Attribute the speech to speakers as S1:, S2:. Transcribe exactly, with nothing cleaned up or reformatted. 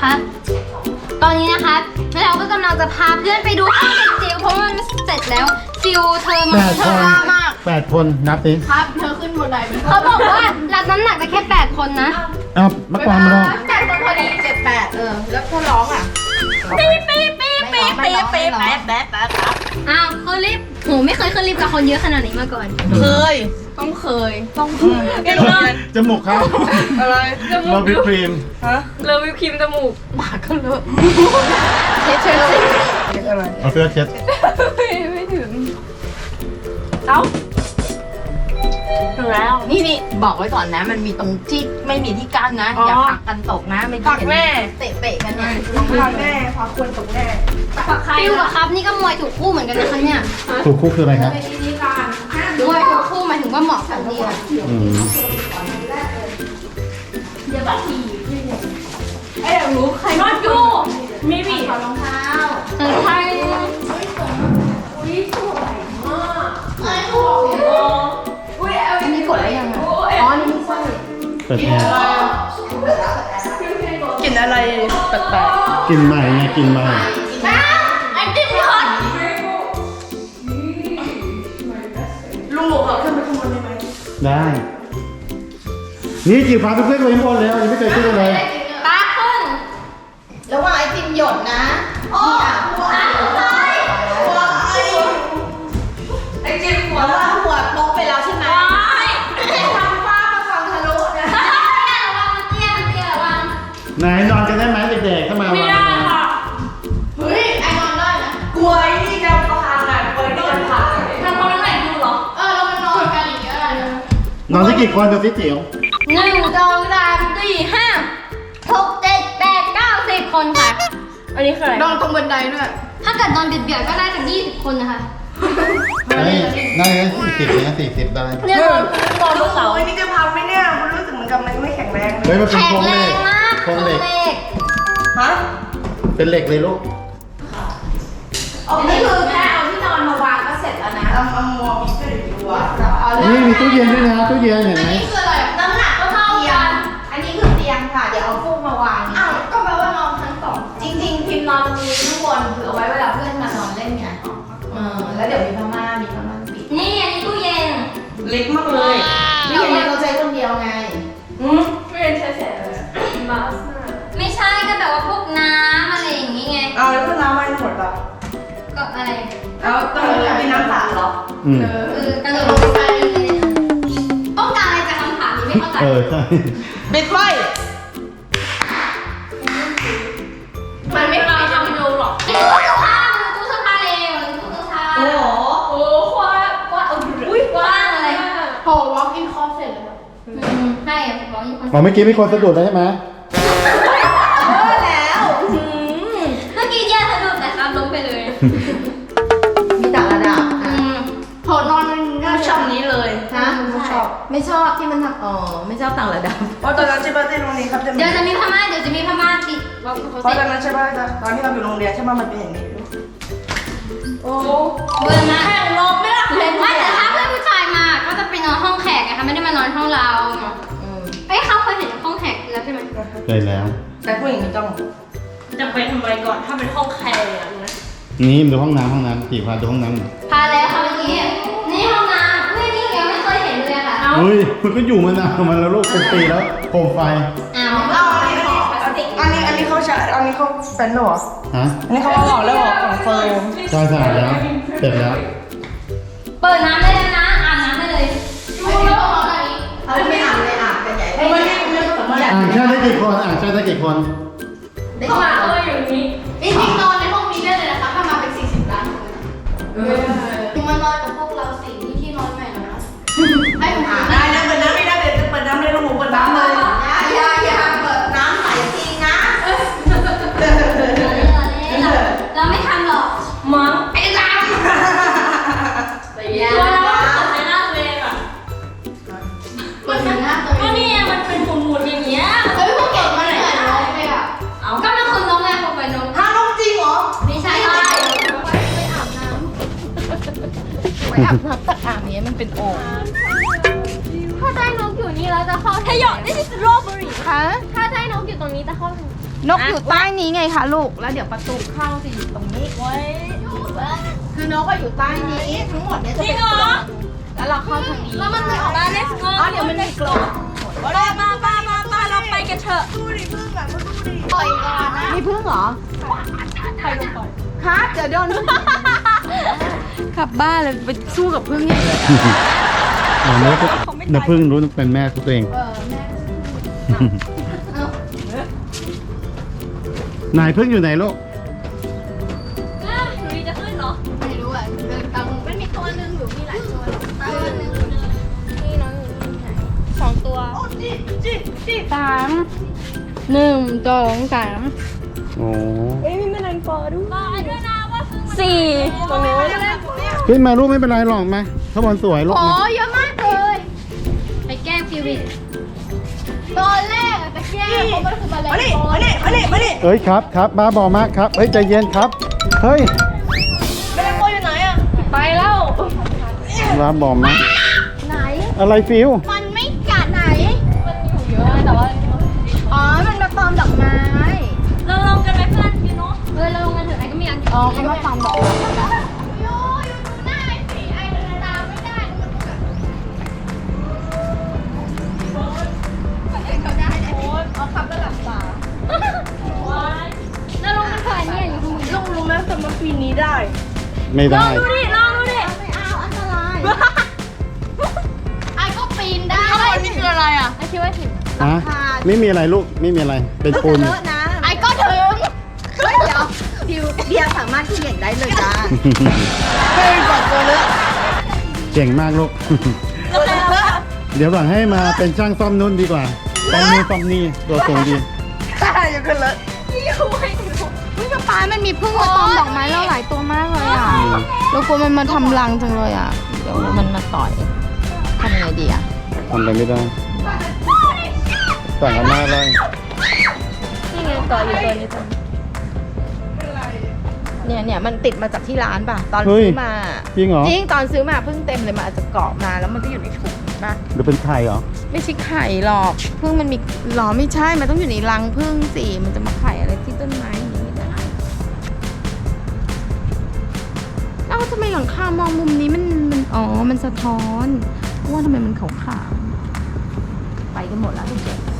S1: นะคะตอนนี้นะคะเราก็กำลังจะพาเพื่อนไปดูห้องเด็กจิ๋วเพราะมันเสร็จแล้วฟิวเธอมาเธอมามาก
S2: แปดคนนับดิ
S3: ครับเธอขึ้นบนไดเป็น
S1: เขาบอกว่ารับน้ำหนักได้แค่แปดคนนะ
S2: เอามากวางมาลอง
S3: แปดคนพอดีเจ็ดแปดเออแล้วก็ร้องอ่ะ
S1: ปี๊ปี๊ปี๊ปี๊ปี๊ปี๊แป๊บแป๊บแป๊บอ้าวขึ้นลิฟต์โหไม่เคยขึ้นลิฟต์กับคนเยอะขนาดนี้มาก่อน
S3: เคยต้องเคยต้องเคย
S2: จมูกเขา
S3: อะไร
S2: เราวิปครีม
S3: ฮะ
S1: เลอวิปครีมจมูก
S3: ปากก็เลอะเช็ดเช็ดเช็ดอะไร
S2: เอาเสื้อเช็ด
S3: ไม่ถึงเอ้าถึงแล้วนี่นี่บอกไว้ก่อนนะ มันมีตรงที่ไม่มีที่กั้นนะอย่าผลักกันตกนะไม่ผลักแม่เตะเปะกันเนี่ยผลักแม่ผลักคนตกแน่
S1: ฟิวกับครับนี่ก็มวยถูกคู่เหมือนกันนะคะเนี่ย
S2: ถูกคู่คืออะไรครับ
S1: มวยถูกคู่หมายถึงว่าเหมาะกันดีอะ
S2: อืม
S3: ไอ้เดี๋ยวรู้ใครนอนอยู่มีบีถอดรองเท้า
S1: เจอใคร
S3: อุ้ยสวยมากไอ้โหอุ้ยเอา
S1: อันนี้กดได้ยังไงอ๋อนี่ไม่ใช่
S2: เปิดแอร์
S3: กลิ่นอะไรแปลก
S2: กินใหม่ไงกินใหม่
S3: ๆไอ้ติ๊บทอดลูกเขาขึ้นไปข้างบนได้ไหม
S2: ได้ นี่จิ๋วพาเพื่อนๆไปข้างบนแล้วยังไม่เคยขึ้นเลย
S1: ตาขึ้น
S3: ระหว่างไอติมหยดนะพี่อ่ะหัวหัวไอติมหัวว่าหัวลงไปแล้วใช่ไหมทำฟ้ามาฟังทะลุนะ
S1: ระวังมันเตี้ยมันเตี้ยระวัง
S2: ไหนนอนกันได้ไหมเด็กๆเข้ามาไม่ได้ค่ะ
S3: เฮ้ยไอนอนได้นะกลัวไอ้นี่จะพังอ่ะกลัวไอ้นี่จะพังทำคนละไหนดูเหรอเออเราไปนอนกันอย่างเงี้ยอะไรนะ
S2: นอนสักกี่คนดูสิจิ๋ว
S1: หนึ่งสองสามสี่ห้าหกเจ็ดแปดเก้าสิบคนค่ะ
S3: อันนี้คืออะไรนอนตรงบันไดด้วย
S1: ถ้าเกิดนอนเบียดๆก็ได้ถึงยี่สิบคนนะคะ
S2: ได้ได้สี่สิบนะสี่สิบได้
S1: เนี่ยนอนนอนบนเสา
S3: โอ้ยนี่จะพังไหมเนี่ยคุณรู้สึกเหมือนกับมันไม่แข็งแรงเลย
S2: เฮ้ยมันเป็น
S1: แข็ง
S2: โครง
S1: แร
S2: เหล็
S1: ง
S2: ก
S1: มาก
S2: โครงเหล็ก
S3: ฮะ
S2: เป็นเหล็กเลยลูก
S3: อันนี้คือแค่เอาที่นอนมาวางก็เสร็จแล้วนะเอาเอามัวมีก็เดี๋ยวดูอ่ะเอาเลย
S2: นี่มีตู้เย็นด้วยนะตู้เย็นเห็น
S3: อัน
S2: ไหม
S3: นี้คืออะไรน้ำหนักก็เท่ากันอันนี้คือเตียงค่ะ เดี๋ยวเอาฟูกมาวางอ้าวก็แปลว่านอนชั้นสองจริงๆพิมพ์นอนตรงนี้ข้างบนคือเอาไว้เวลาเพื่อนมานอนเล่นไงเออแล้วเดี๋ยวมีพม่ามีพม่าปิด
S1: นี่อันนี้ตู้เย็น
S3: เล็กมากเลยตู้เย็นเนี่ยเราใช้คนเดียวไงอืมไม่เป็นใช้แสนเลยมาสมาก
S1: ไม่ใช่ก็แบบว่าพวกน้ำอะไรอย่างงี้ไง
S3: เอาแล้วเพื่อนน้ำไว้หมดเหรอ
S1: ก็อะไร
S3: เอาต้องมีน้ำสาดเหรอ
S2: อืม
S1: เออกระโดดลงไปเลยต้องการอะไรจากคำถามนี้ไม่เข้าใจ
S2: เออใช่
S3: ปิดไฟมันไม่มีทำดูหรอก
S1: ตู้เสื้อผ้าตู้เสื้อผ้าเร็วตู้เสื้อผ้า
S3: โอ้โหโอ้กว้างกว้างอุ้ย
S1: กว้างอะไร
S3: โห walk in closet เลย
S1: อืมใช่อะบอกอีกคน
S2: อ๋อเมื่อกี้มีคนสะดุดแล้วใช่ไหม
S3: เออแล้ว
S1: เมื่อกี้แย่สะดุดแต่ครับล้มไปเลย
S3: มีแต่ระดับ
S1: อืม
S3: โหนอนง่ายชอบนี้เลยฮะไม่ชอบไม่ชอบที่มันทำอ๋อไม่ชอบต่างระดับเพราะตอนนั้นใช่ป่ะที่โรงเรียนครับจะมี
S1: เดี๋ยวจะมีพม่าเดี๋ยวจะมีพม่าติดบอก
S3: เพ
S1: เขา
S3: ราะ
S1: เส
S3: ต
S1: ร็
S3: อน
S1: จ
S3: นั้นใช่ป่ะตอนที่เราอยู่โรงเรียนใช่ป่ะมันเป็นอย่างนี้โอ้
S1: เบอร์มา
S3: แข่งลมไม่ละ
S1: ไม่แต่ถ้าเพื่อนผู้ชายมาก็จะไปนอนห้องแขกไงคะไม่ได้มานอนห้องเราเอ้ยเขาเคยเห็นห้องแขกแล้วใช่ไหม
S2: เคยแล้ว
S3: แต่ผู้หญิงไม่ต้อง
S4: จะไปทำไมก่อนถ้าเป็นห้องแคร์อะนะ
S2: นี่มาดูห้องน้ำห้องน้ำจิ๋วพาดูห้องน้ำหน่อย
S1: พาแล้วค่ะเมื่อกี้นี่ห้องน้ำเฮ้ยนี่ยังไม่เคยเห็นเลยค่ะ
S2: เฮ้ยมันก็อยู่มานานมันแล้วลูกเป็นปีแล้วโคมไฟ
S1: อ้าว
S3: เอาอันนี้อันนี้อันนี้เขาใช้อันนี้เขาเป็นหรอ
S2: ฮะ
S3: อันนี้เขาเอาออกแล้วเหรอของเฟิร์ม
S2: ใช่สะอาดแล้วเสร็จแล้ว
S1: เปิดน้ำได้แล้วนะอาบน้ำได้เลย
S3: เขาไม่อ่านเลยอ่านกันใหญ่ไม่ไม่ไม่สามารถ
S2: อ่างชาติได้กี่คนอ่างชาติได้กี่คน
S3: ได้มาเอออยู่นี้จริงๆนอนในห้องนี้ได้เลยนะคะถ้ามาเป็นสี่สิบล้านคนคือมานอนกับพวกเราสี่ที่ที่นอนใหม่นะให้ผมอ่านได้นะเปิดน้ำไม่ได้เดี๋ยวจะเปิดน้ำเลยลูกหมูเปิดน้ำเลยอย่าอย่าเปิดน้ำใส่จริงนะ
S1: เราไม่ทำหรอก
S4: มั้ง
S3: ไอ้ดำ
S1: อย่า
S4: ตัวเราก็ใช้หน้าตัวเองอะ
S3: มันเป็นหน้าตัว
S4: ก็นี่ไงมันเป็นหมุนๆอย่างเงี้ย
S3: เฮ้ยพวกเก่งมาเลยเหรอไม่อะ
S4: เอา
S1: ก็เป็นคนน้องไงพอไปน้อง
S3: ฮะน้องจริงเหรอ
S1: ไม่ใช่
S3: ไม่
S1: ใช่
S3: อาบน้ำไว้อาบน้ำตักอ่างนี้มันเป็นโอ่ง
S5: ถ้าได้นกอยู่นี่แล้วจะเข้าถ้าหยอดนี่คือสตรอเบอรี่
S3: ฮะ
S5: ถ้าได้นกอยู่ตรงนี้จะเข้าทาง
S3: นกอยู่ใต้นี้ไงคะลูก แล้วเดี๋ยวประตูเข้าจะอยู่ตรงนี้ไว้คือนกก็อยู่ใต้นี้ทั้งหมดเนี่ยจะเป็นกรงแล้วเราเข้าทางนี้แล้วมันไม่ออกมาเลยอ๋อเดี๋ยวมันมีกรงมามามามามาเราไปกันเถอะดูดิพึ่งแบบดูดิปล่อยก่อนนะมีพึ่งเหรอใครลงปล่อยครับเดี๋ยวโดนขับบ้านเลยไปสู้กับพึ่งเนี่ย
S2: อ๋อเนี่ยน้าพึ่งรู้เป็นแม่ตัวเอง
S3: เออแม่
S2: นายพึ่งอยู่ไหนลูก
S1: อ้าวหนูจะขึ้นเหรอ
S3: ไม่รู้อ่ะเดินตามมันมีตัวหนึงหรือมีหลายตัวตัวหนึง
S1: นี่น้องอยู่ไหนสองตัว
S3: สามหนึ่งสองสาม
S2: โอ้
S1: รอด้วยนะว่าพึ่งสี่ตรงนู้น
S2: ขึ้นมาลูกไม่เป็นไรหรอกมาข้างบนสวยลูก
S3: โอ้
S2: มา
S3: เยอะมากเลย
S1: ไปแก้ฟิวิต
S3: ตอนแรกอะตะแกรงเพราะมันคือแมลงมาดิมาดิมาดิมาดิ
S2: เอ้ยครับครับบ้าบอมากครับเฮ้ยใจเย็นครับเฮ้ย
S3: แมลงตัวอยู่ไหนอะไปแล้ว
S2: บ้าบอมาก
S3: ไหน
S2: อะไรฟิว
S3: มันไม่กัดไหน
S1: มันอยู่เยอะแต่ว่า
S3: อ๋อ มันมาตอมดอกไม้
S1: เราลงกันไหมเพื่อนยูโน่เออเราลงกันเถอะไอ้ก็มีอัน
S3: อ๋อเขามาตอมดอกไม้โย่อยู่ดูหน้าไอ้สีไอ้เดินตามไม่ได้มันแบบมันเห็นเขาได้เนี่ยเอาขับแล้วหลับตา
S1: เราลงกันเถอะเนี่ยอยู่ตรงนี้
S3: ลุงรู้ไหมสำหรับปีนี้ได้
S2: ไม่
S1: ล
S2: ได้
S1: องดูดิลองดูดิ
S3: ไม่เอาอันตรายไอ้ก็ปีนได้ข้างบนนี่คืออะไรอ่ะ
S1: ไอ้คิดว่าถึง
S2: ฮะไม่มีอะไรลูกไม่มีอะไรเป็นปูน
S3: ไอ้ก็ถึงเฮ้ยเดี๋ยวดิวเดียสามารถเขียนได้เลยจ้าเฮ้ยก่อนตัวเลอะ
S2: เจ๋งมากลูก
S3: ตัวเลอะ
S2: เดี๋ยวหลังให้มาเป็นช่างซ่อมนุ่นดีกว่าซ่อมนู่นซ่อมนี่ตัวสูงดี
S3: ตายอยู่กันเลยนี่คุยอุ้ยป้าป้ามันมีพึ่งมาตอมดอกไม้เราหลายตัวมากเลยอ่ะเรากลัวมันมาทำรังจังเลยอ่ะเดี๋ยวมันมาต่อยทำไงดีอ่ะ
S2: ทำอะไรไม่ได้สั่งกันมาเลย
S3: นี่ไงต่ออยู่ตัวนี้ตัวเนี่ยเนี่ยมันติดมาจากที่ร้านป่ะตอนซื้อมา
S2: จริงเหรอ
S3: จริงตอนซื้อมาเพิ่งเต็มเลยมันอาจจะเกาะมาแล้วมันก็อยู่ในถุงป่ะ
S2: หรือเป็นไข่เหรอ
S3: ไม่ใช่ไข่หรอกพึ่งมันมีหรอไม่ใช่มันต้องอยู่ในรังพึ่งสิมันจะมาไข่อะไรที่ต้นไม้อย่างนี้ไม่ได้เอ้าทำไมหลังคามองมุมนี้มันมันอ๋อมันสะท้อนว่าทำไมมันขาวๆไปกันหมดแล้วทุกคน